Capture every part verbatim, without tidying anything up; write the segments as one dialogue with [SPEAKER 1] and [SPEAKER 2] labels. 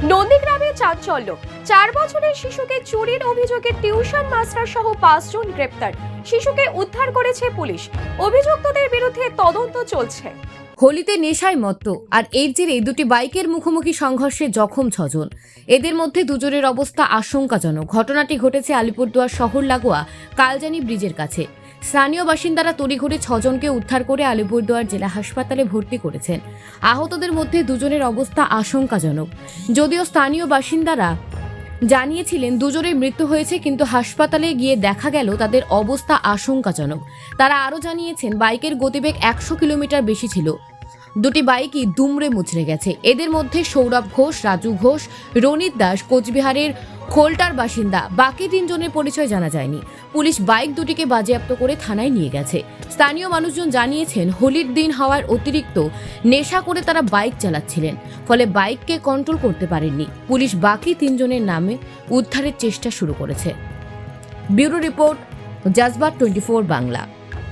[SPEAKER 1] নন্দীগ্রামে চাঞ্চল্য, চার বছরের শিশুকে চুরির অভিযোগে টিউশন মাস্টার সহ পাঁচজন গ্রেপ্তার। শিশুকে উদ্ধার করেছে পুলিশ। অভিযুক্তদের বিরুদ্ধে তদন্ত চলছে।
[SPEAKER 2] হোলিতে নেশায় মত্ত আর এর জেরে দুটি বাইকের মুখোমুখি সংঘর্ষে জখম ছজন। এদের মধ্যে দুজনের অবস্থা আশঙ্কাজনক। ঘটনাটি ঘটেছে আলিপুরদুয়ার শহর লাগোয়া কালজানি ব্রিজের কাছে। স্থানীয় বাসিন্দারা তড়িঘড়ি ছজনকে উদ্ধার করে আলিপুরদুয়ার জেলা হাসপাতালে ভর্তি করেছেন। আহতদের মধ্যে দুজনের অবস্থা আশঙ্কাজনক। যদিও স্থানীয় বাসিন্দারা জানিয়েছিলেন দুজনের মৃত্যু হয়েছে, কিন্তু হাসপাতালে গিয়ে দেখা গেল তাদের অবস্থা আশঙ্কাজনক। তারা আরও জানিয়েছেন বাইকের গতিবেগ একশো কিলোমিটার বেশি ছিল। দুটি বাইকই দুমড়ে মুচড়ে গেছে। এদের মধ্যে সৌরভ ঘোষ, রাজু ঘোষ, রনিত দাস কোচবিহারের খোলটার বাসিন্দা। বাকি তিনজনের পরিচয় জানা যায়নি। পুলিশ বাইক দুটিকে বাজেয়াপ্ত করে থানায় নিয়ে গেছে। স্থানীয় মানুষজন জানিয়েছেন হোলির দিন হওয়ার অতিরিক্ত নেশা করে তারা বাইক চালাচ্ছিলেন, ফলে বাইককে কন্ট্রোল করতে পারেননি। পুলিশ বাকি তিনজনের নামে উদ্ধারের চেষ্টা শুরু করেছে। Bureau report, Jazbaat twenty four Bangla.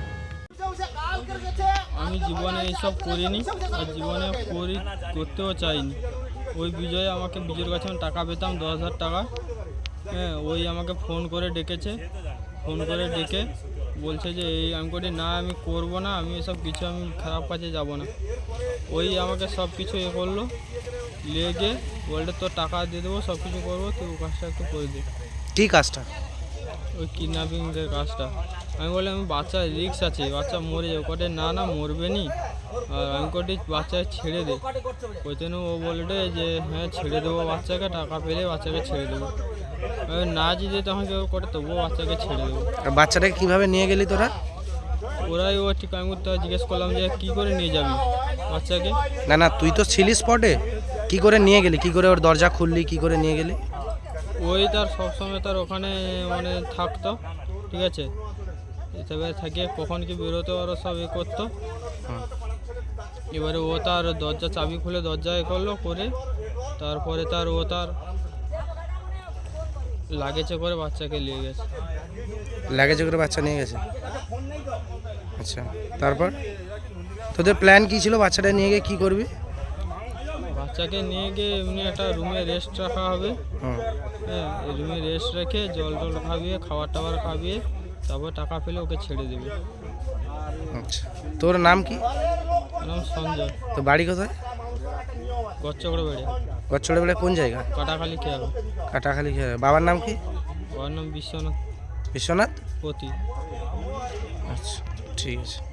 [SPEAKER 3] আমি জীবনে এইসব করিনি আর জীবনে করি করতেও চাইনি। ওই বিজয়ে আমাকে বিজয়ের কাছে আমি টাকা পেতাম দশ হাজার টাকা। হ্যাঁ, ওই আমাকে ফোন করে ডেকেছে, ফোন করে ডেকে বলছে যে এই আমি করি না, আমি করবো না, আমি এসব কিছু আমি খারাপ কাজে যাব না। ওই আমাকে সব কিছু এ করলো, লেগে বলতে তোর টাকা দিয়ে দেবো, সব কিছু করবো, তুই ও কাজটা একটু করে দে।
[SPEAKER 4] কী কাজটা?
[SPEAKER 3] ওই কিডন্যাপিংয়ের কাজটা। আমি বললাম আমি বাচ্চা রিস্ক আছে, বাচ্চা মরে যাবে। কটে না না মরবে নি, আর আমি কটি বাচ্চা ছেড়ে দে। ওই জন্য ও বলবে যে হ্যাঁ ছেড়ে দেবো বাচ্চাকে, টাকা পেলে বাচ্চাকে ছেড়ে দেবো। আমি না যদি তখন কেউ করে তবুও বাচ্চাকে ছেড়ে দেবো।
[SPEAKER 4] আর বাচ্চাটাকে কীভাবে নিয়ে গেলি তোরা?
[SPEAKER 3] ওরাই ও ঠিক আমি তো জিজ্ঞেস করলাম যে কী করে নিয়ে যাবি বাচ্চাকে।
[SPEAKER 4] না না, তুই তো ছিলি স্পটে, কি করে নিয়ে গেলি? কি করে ওর দরজা খুললি? কি করে নিয়ে গেলি?
[SPEAKER 3] ওই তার সবসময় তার ওখানে মানে থাকতো, ঠিক আছে, এবার থাকে কখন কি বেরোতো আরও সব এ করতো। এবারে ও তার দরজা চাবি খুলে দরজা এ করলো করে, তারপরে তার ও তার লাগেজে করে বাচ্চাকে নিয়ে গেছে।
[SPEAKER 4] লাগেজে করে বাচ্চা নিয়ে গেছে? আচ্ছা, তারপর তোদের প্ল্যান কী ছিল? বাচ্চাটা নিয়ে গিয়ে কী করবি?
[SPEAKER 3] বাচ্চাকে নিয়ে গিয়ে এমনি একটা রুমে রেস্ট রাখা হবে।
[SPEAKER 4] হুম,
[SPEAKER 3] হ্যাঁ, এই রুমে রেস্ট রেখে জল টল খাবিয়ে, খাবার টাবার খাবিয়ে, তারপর টাকা পেলে ওকে ছেড়ে দেবে।
[SPEAKER 4] আচ্ছা, তোর নাম কি?
[SPEAKER 3] নাম সঞ্জয়।
[SPEAKER 4] তো বাড়ি কোথায়?
[SPEAKER 3] গচ্চকড়ে বেড়ে
[SPEAKER 4] গচ্ছড়ে বেলা কোন জায়গা?
[SPEAKER 3] কাটাখালি খেয়াল।
[SPEAKER 4] কাটাখালি খেয়ে। বাবার নাম কি?
[SPEAKER 3] ওর নাম বিশ্বনাথ
[SPEAKER 4] বিশ্বনাথ
[SPEAKER 3] পতি।
[SPEAKER 4] আচ্ছা, ঠিক আছে।